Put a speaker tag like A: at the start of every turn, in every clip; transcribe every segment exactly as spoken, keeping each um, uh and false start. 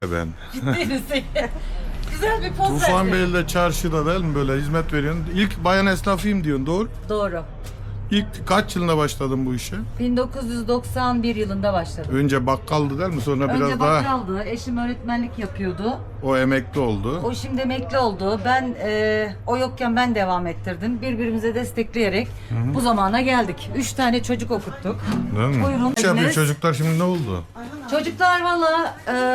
A: Ben.
B: Ciddi misin? Güzel bir poz verdin.
A: Tufanbeyli'de çarşıda değil mi böyle hizmet veriyorsun? İlk bayan esnafıyım diyorsun, doğru.
B: Doğru.
A: İlk kaç yılında başladın bu işe?
B: bin dokuz yüz doksan bir yılında başladım.
A: Önce bakkaldı değil mi? Sonra biraz
B: Önce
A: daha
B: bakkaldı. Eşim öğretmenlik yapıyordu.
A: o emekli oldu.
B: O şimdi emekli oldu. Ben e, o yokken ben devam ettirdim. Birbirimize destekleyerek bu zamana geldik. Üç tane çocuk okuttuk.
A: Değil mi?
B: Buyurun.
A: Ne yapıyor
B: Ediniz.
A: çocuklar şimdi, ne oldu?
B: Çocuklar valla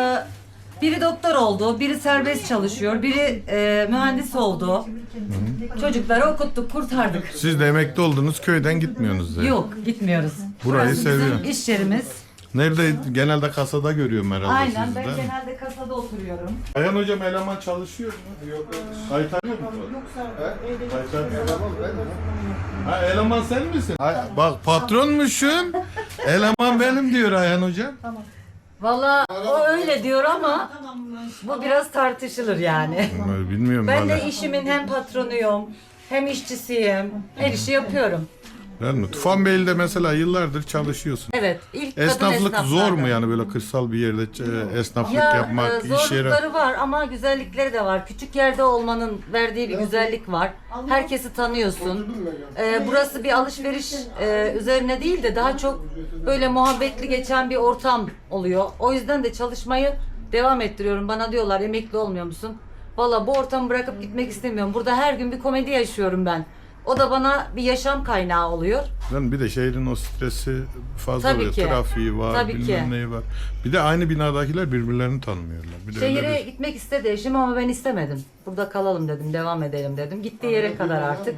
B: e, biri doktor oldu, biri serbest çalışıyor, biri e, mühendis oldu. Çocukları okuttuk, kurtardık.
A: Siz de emekli oldunuz, köyden gitmiyorsunuz yani.
B: Yok, gitmiyoruz.
A: Burayı
B: Burası
A: seviyorum.
B: bizim iş yerimiz.
A: Nerede? Genelde kasada görüyorum herhalde
B: Aynen,
A: sizi
B: ben
A: değil mi?
B: genelde kasada oturuyorum.
A: Ayhan hocam eleman çalışıyor mu? Yok. Kaytarıyor mu? Yoksa kaytarıyor. Ha, eleman sen misin? Ay, bak patronmuşsun. Eleman benim diyor Ayhan hocam.
B: Valla o öyle diyor ama bu biraz tartışılır yani.
A: Bilmiyorum
B: Ben
A: valla.
B: de işimin hem patronuyum, hem işçisiyim. Her işi yapıyorum.
A: Değil mi? Tufanbeyli'de mesela yıllardır çalışıyorsun.
B: Evet, ilk kadın
A: Esnaflık
B: esnaflardan.
A: zor mu yani, böyle kırsal bir yerde e, esnaflık
B: Ya
A: yapmak,
B: e,
A: iş yeri?
B: zorlukları var ama güzellikleri de var. Küçük yerde olmanın verdiği bir güzellik var. Herkesi tanıyorsun. E, burası bir alışveriş e, üzerine değil de daha çok böyle muhabbetli geçen bir ortam oluyor. O yüzden de çalışmayı devam ettiriyorum. Bana diyorlar emekli olmuyor musun? Valla bu ortamı bırakıp gitmek istemiyorum. Burada her gün bir komedi yaşıyorum ben. O da bana bir yaşam kaynağı oluyor.
A: Yani bir de şehrin o stresi fazla
B: Tabii
A: oluyor.
B: ki.
A: Trafiği var,
B: Tabii
A: bilmem
B: ki.
A: neyi var. Bir de aynı binadakiler birbirlerini tanımıyorlar. Bir de öyle
B: Şehire
A: bir...
B: gitmek istedi eşim ama ben istemedim. Burada kalalım dedim, devam edelim dedim. Gittiği yere kadar artık.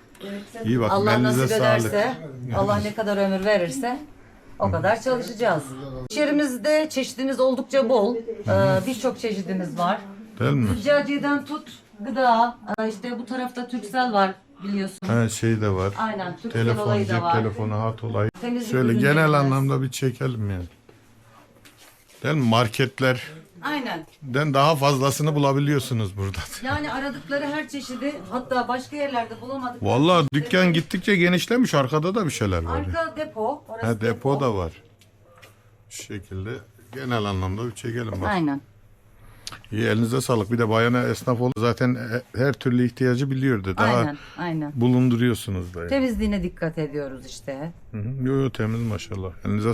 A: İyi bakın,
B: Allah
A: elinize
B: nasip
A: sağlık.
B: ederse, Allah ne kadar ömür verirse o kadar çalışacağız. İş yerimizde çeşidimiz oldukça bol. Ee, Birçok çeşidimiz var.
A: Değil mi?
B: Züccaciyeden tut, gıda, ee, işte bu tarafta Turkcell var biliyorsun.
A: Ha, şey de var.
B: Aynen, Turkcell
A: Telefon,
B: olayı
A: cep
B: da var.
A: telefonu, hat olayı.
B: Temizlik
A: Şöyle
B: ürünlerimiz.
A: genel anlamda bir çekelim yani. Değil mi? Marketlerden
B: Aynen.
A: daha fazlasını bulabiliyorsunuz burada.
B: Yani aradıkları her çeşidi, hatta başka yerlerde bulamadık.
A: Vallahi dükkan gittikçe genişlemiş. Arkada da bir şeyler var. ya.
B: Arka depo, orası
A: Ha, depo da var. Şu şekilde genel anlamda bir çekelim bak.
B: Aynen.
A: İyi, elinize sağlık. Bir de bayana esnaf oldu. Zaten he- her türlü ihtiyacı biliyordu. Daha
B: Aynen, aynen.
A: bulunduruyorsunuz da. Yani.
B: Temizliğine dikkat ediyoruz işte.
A: Hı hı. Yo, yo, temiz maşallah. Elinize